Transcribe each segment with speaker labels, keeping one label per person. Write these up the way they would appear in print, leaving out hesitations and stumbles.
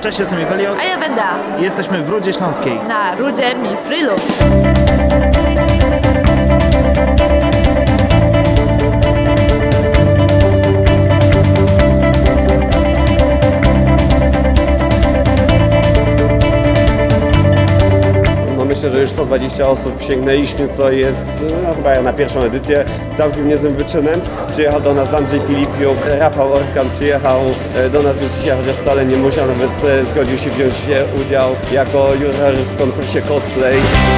Speaker 1: Cześć, jestem Iwelios.
Speaker 2: A ja Wenda.
Speaker 1: I jesteśmy w Rudzie Śląskiej.
Speaker 2: Na Rudzie Mifrylu.
Speaker 3: Myślę, że już 120 osób sięgnęliśmy, co jest chyba na pierwszą edycję całkiem niezłym wyczynem. Przyjechał do nas Andrzej Pilipiuk, Rafał Orkan przyjechał do nas już dzisiaj, chociaż wcale nie musiał, nawet zgodził się wziąć udział jako juror w konkursie cosplay.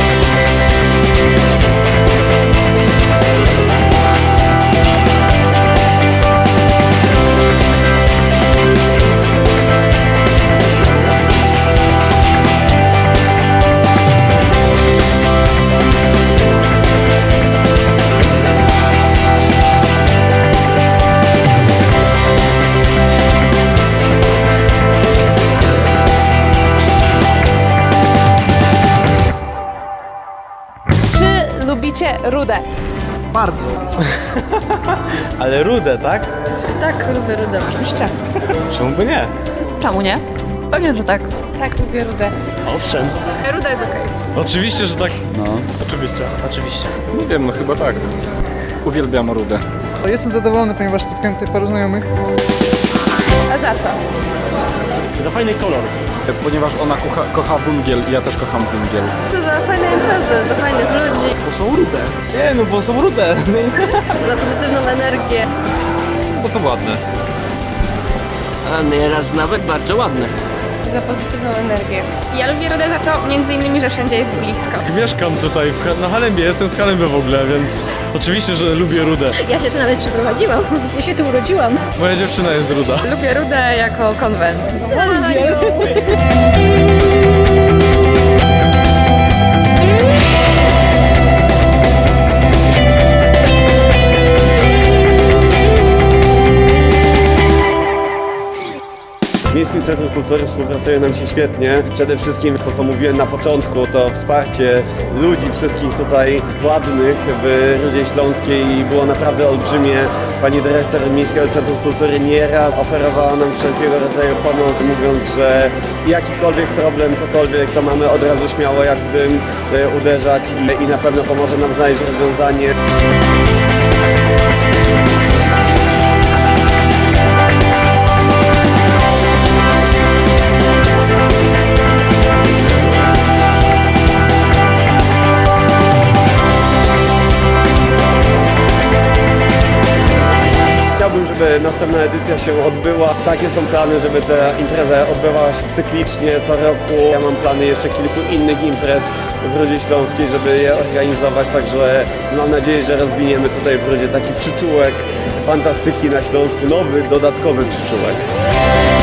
Speaker 2: Czy lubicie rudę?
Speaker 1: Bardzo.
Speaker 4: Ale rudę, tak?
Speaker 5: Tak, lubię rudę. Oczywiście.
Speaker 4: Czemu by nie?
Speaker 5: Czemu nie? Pewnie, że tak.
Speaker 2: Tak, lubię rudę.
Speaker 4: Owszem.
Speaker 2: Ruda jest okej.
Speaker 4: Oczywiście, że tak. No. Oczywiście.
Speaker 6: Nie wiem, no chyba tak. Uwielbiam rudę.
Speaker 7: Jestem zadowolony, ponieważ spotkałem tutaj paru znajomych.
Speaker 2: A za co?
Speaker 4: Za fajny kolor.
Speaker 6: Ponieważ ona kocha węgiel i ja też kocham węgiel.
Speaker 5: To za fajne imprezy, za fajnych ludzi,
Speaker 4: Bo są rude. Nie, no bo są rude.
Speaker 5: za pozytywną energię.
Speaker 6: Bo są ładne.
Speaker 8: A nieraz nawet bardzo ładne.
Speaker 2: Za pozytywną energię.
Speaker 9: Ja lubię rudę za to między innymi, że wszędzie jest blisko.
Speaker 4: Mieszkam tutaj na Halembie, jestem z Halemby w ogóle, więc oczywiście, że lubię rudę.
Speaker 9: Ja się tu nawet przeprowadziłam.
Speaker 2: Ja się tu urodziłam.
Speaker 4: Moja dziewczyna jest ruda.
Speaker 5: Lubię rudę jako konwent.
Speaker 3: Z Miejskim Centrum Kultury współpracuje nam się świetnie. Przede wszystkim to, co mówiłem na początku, to wsparcie ludzi wszystkich tutaj władnych w Rudzie Śląskiej było naprawdę olbrzymie. Pani dyrektor Miejskiego Centrum Kultury nieraz oferowała nam wszelkiego rodzaju pomoc, mówiąc, że jakikolwiek problem, cokolwiek, to mamy od razu śmiało jak w tym uderzać i na pewno pomoże nam znaleźć rozwiązanie. Chciałbym, żeby następna edycja się odbyła. Takie są plany, żeby ta impreza odbywała się cyklicznie co roku. Ja mam plany jeszcze kilku innych imprez w Rudzie Śląskiej, żeby je organizować, także mam nadzieję, że rozwiniemy tutaj w Rudzie taki przyczółek fantastyki na Śląsku, nowy, dodatkowy przyczółek.